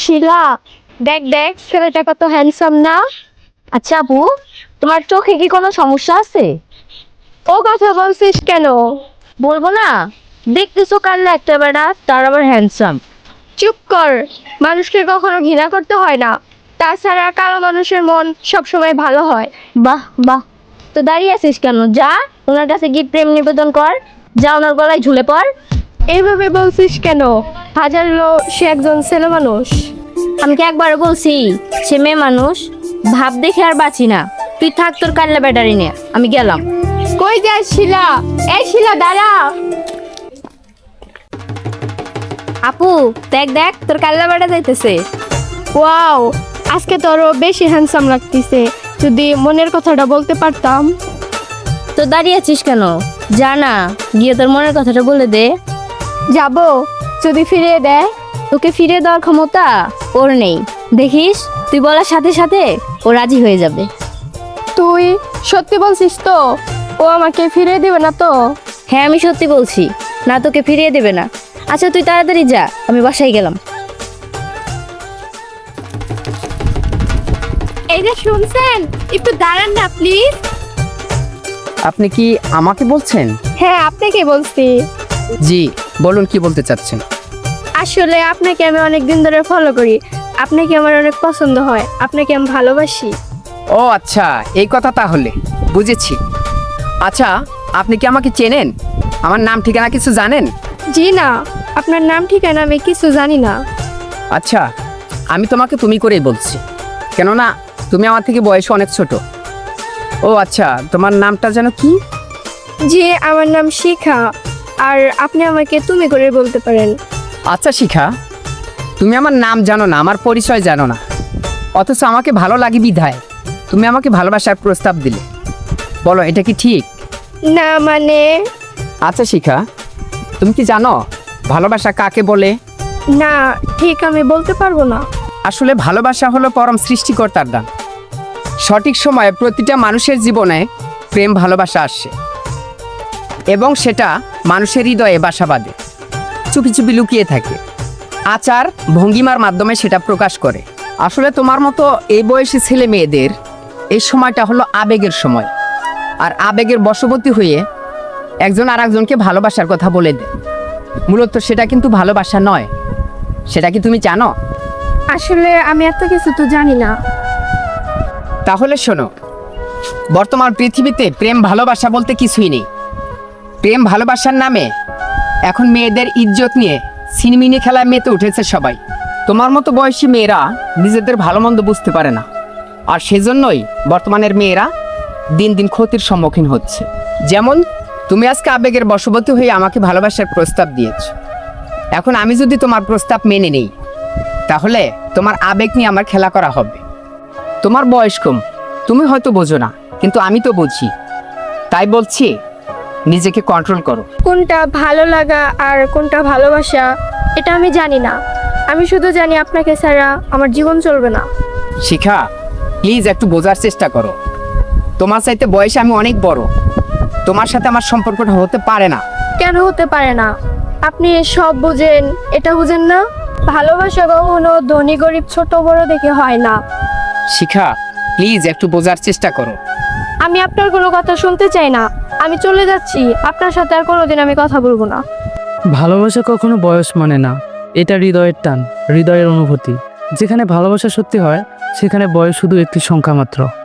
শিলা, দেখ দেখ ছেলেটা কত হ্যান্ডসাম না। আচ্ছা আপু, তোমার চোখে কি কোনো সমস্যা আছে? ও কথা বলছিস কেন? বলবো না? দেখতেছো কাল্লা একটা বেড়া, তার আবার হ্যান্ডসাম। চুপ কর, মানুষকে কখনো ঘৃণা করতে হয় না। তাছাড়া কালো মানুষের মন সবসময় ভালো হয়। বাহ বাহ, তো দাঁড়িয়ে আছিস কেন? যা, ওনার কাছে গিয়ে প্রেম নিবেদন কর। যা, ওনার গলায় ঝুলে পড়। এইভাবে বলছিস কেন? হাজার সে একজন ছেলে মানুষ। আমি কি একবার বলছি সে মেয়ে মানুষ? ভাব দেখে আর বাঁচি না। তুই থাক তোর কাল্লা ব্যাটারি নিয়ে, আমি গেলাম। কই যাস শিলা? এই শিলা দাঁড়া। আপু দেখ দেখ, তোর কাল্লা বেটা যাইতেছে। ওয়াও, আজকে তোরও বেশি হ্যান্ডসাম লাগতেছে। যদি মনের কথাটা বলতে পারতাম। তো দাঁড়িয়ে আছিস কেন? যা না, গিয়ে তোর মনের কথাটা বলে দে। যাব, যদি ফিরিয়ে দেয়। তোকে ফিরে দেওয়ার ক্ষমতা ওর নেই। দেখিস, তুই বলার সাথে সাথে ও রাজি হয়ে যাবে। তুই সত্যি বলছিস তো? ও আমাকে ফিরিয়ে দিবে না তো? হ্যাঁ, আমি সত্যি বলছি, না তোকে ফিরিয়ে দেবে না। আচ্ছা তুই তাড়াতাড়ি যা, আমি বাসায় গেলাম। এই যে শুনছেন, একটু দাঁড়ান না প্লিজ। আপনি কি আমাকে বলছেন? হ্যাঁ, আপনাকে বলছি। জি, বলুন কি বলতে চাচ্ছেন। আসলে আপনাকে আমি অনেক দিন ধরে ফলো করি। আপনাকে আমার অনেক পছন্দ হয়, আপনাকে আমি ভালোবাসি। ও আচ্ছা, এই কথা তাহলে বুঝেছি। আচ্ছা, আপনি কি আমাকে চেনেন? আমার নাম ঠিকানা কিছু জানেন? জি না, আপনার নাম ঠিকানা আমি কিছু জানি না। আচ্ছা, আমি তোমাকে তুমি করেই বলছি, কেননা তুমি আমার থেকে বয়সে অনেক ছোট। ও আচ্ছা, তোমার নামটা যেন কি? জি, আমার নাম শিখা। আর আপনি আমাকে তুমি করে বলতে পারেন। আচ্ছা শিখা, তুমি আমার নাম জানো না, আমার পরিচয় জানো না, অথচ আমাকে ভালো লাগে বিধায় তুমি আমাকে ভালোবাসার প্রস্তাব দিলে। বলো, এটা কি ঠিক? না মানে? আচ্ছা শিখা, তুমি কি জানো ভালোবাসা কাকে বলে? না, ঠিক আমি বলতে পারবো না। আসলে ভালোবাসা হলো পরম সৃষ্টিকর্তার দান। সঠিক সময়ে প্রতিটা মানুষের জীবনে প্রেম ভালোবাসা আসে এবং সেটা মানুষের হৃদয়ে বাসা বাঁধে, চুপি চুপি লুকিয়ে থাকে, আচার ভঙ্গিমার মাধ্যমে সেটা প্রকাশ করে। আসলে তোমার মতো এই বয়সী ছেলে মেয়েদের এই সময়টা হলো আবেগের সময়, আর আবেগের বশবর্তী হয়ে একজন আর একজনকে ভালোবাসার কথা বলে দেয়। মূলত সেটা কিন্তু ভালোবাসা নয়। সেটা কি তুমি জানো? আসলে আমি এত কিছু তো জানি না। তাহলে শোনো, বর্তমান পৃথিবীতে প্রেম ভালোবাসা বলতে কিছুই নেই। প্রেম ভালোবাসার নামে এখন মেয়েদের ইজ্জত নিয়ে ছিনিমিনি খেলায় মেতে উঠেছে সবাই। তোমার মতো বয়সী মেয়েরা নিজেদের ভালো মন্দ বুঝতে পারে না, আর সেজন্যই বর্তমানের মেয়েরা দিন দিন ক্ষতির সম্মুখীন হচ্ছে। যেমন তুমি আজকে আবেগের বশবর্তী হয়ে আমাকে ভালোবাসার প্রস্তাব দিয়েছ। এখন আমি যদি তোমার প্রস্তাব মেনে নেই, তাহলে তোমার আবেগ নিয়ে আমার খেলা করা হবে। তোমার বয়স কম, তুমি হয়তো বোঝো না, কিন্তু আমি তো বুঝি। তাই বলছি, নিজেকে কন্ট্রোল করো। কোনটা ভালো লাগা আর কোনটা ভালোবাসা এটা আমি জানি না। আমি শুধু জানি আপনাকে ছাড়া আমার জীবন চলবে না। শিখা, প্লিজ একটু বোঝার চেষ্টা করো। তোমার চাইতে বয়সে আমি অনেক বড়। তোমার সাথে আমার সম্পর্কটা হতে পারে না। কেন হতে পারে না? আপনি সব বুঝেন, এটা বুঝেন না? ভালোবাসা কখনো ধনী গরিব ছোট বড় দেখে হয় না। শিখা, প্লিজ একটু বোঝার চেষ্টা করো। আমি আপনার কোনো কথা শুনতে চাই না। আমি চলে যাচ্ছি, আপনার সাথে আর কোনোদিন আমি কথা বলবো না। ভালোবাসা কখনো বয়স মানে না, এটা হৃদয়ের টান, হৃদয়ের অনুভূতি। যেখানে ভালোবাসা সত্যি হয়, সেখানে বয়স শুধু একটি সংখ্যা মাত্র।